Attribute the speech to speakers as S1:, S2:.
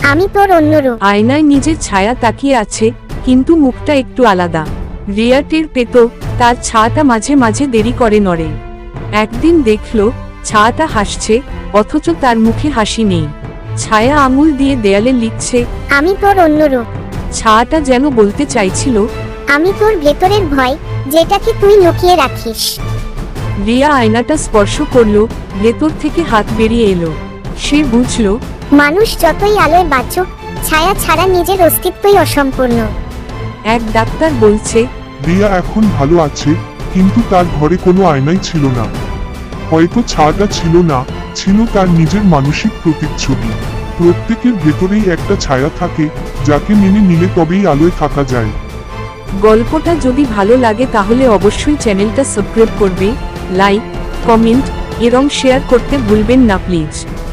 S1: আমি তোর অন্য রূপ।
S2: আয়নায় নিজের ছায়া তাকিয়ে আছে, কিন্তু মুখটা একটু আলাদা। রিয়া টের পেত তার ছায়াটা মাঝে মাঝে দেরি করে নড়ে। একদিন দেখল ছায়াটা হাসছে, অথচ তার মুখে হাসি নেই। ছায়া আঙুল দিয়ে দেয়ালে লিখছে।
S1: আমি তোর অন্য রূপ।
S2: ছায়াটা যেন বলতে চাইছিল,
S1: আমি তোর ভেতরের ভয়, যেটাকে তুই লুকিয়ে রাখিস।
S2: রিয়া আয়নাটা স্পর্শ করলো, ভেতর থেকে হাত বেরিয়ে এলো। সে বুঝল
S1: মানুষ যতই আলোয় বাঁচুক, ছায়া ছাড়া নিজের অস্তিত্বই অসম্পূর্ণ।
S2: এক ডাক্তার বলছে,
S3: রিয়া এখন ভালো আছে, কিন্তু তার ঘরে কোনো আয়নাই ছিল না। হয়তো ছায়াটা ছিল না, ছিল তার নিজের মানসিক প্রতিচ্ছবি। প্রত্যেকের ভেতরেই একটা ছায়া থাকে, যাকে মেনে নিলে তবেই আলোয় থাকা যায়।
S2: গল্পটা যদি ভালো লাগে তাহলে অবশ্যই চ্যানেলটা সাবস্ক্রাইব করবে, লাইক, কমেন্ট এবং শেয়ার করতে ভুলবেন না প্লিজ।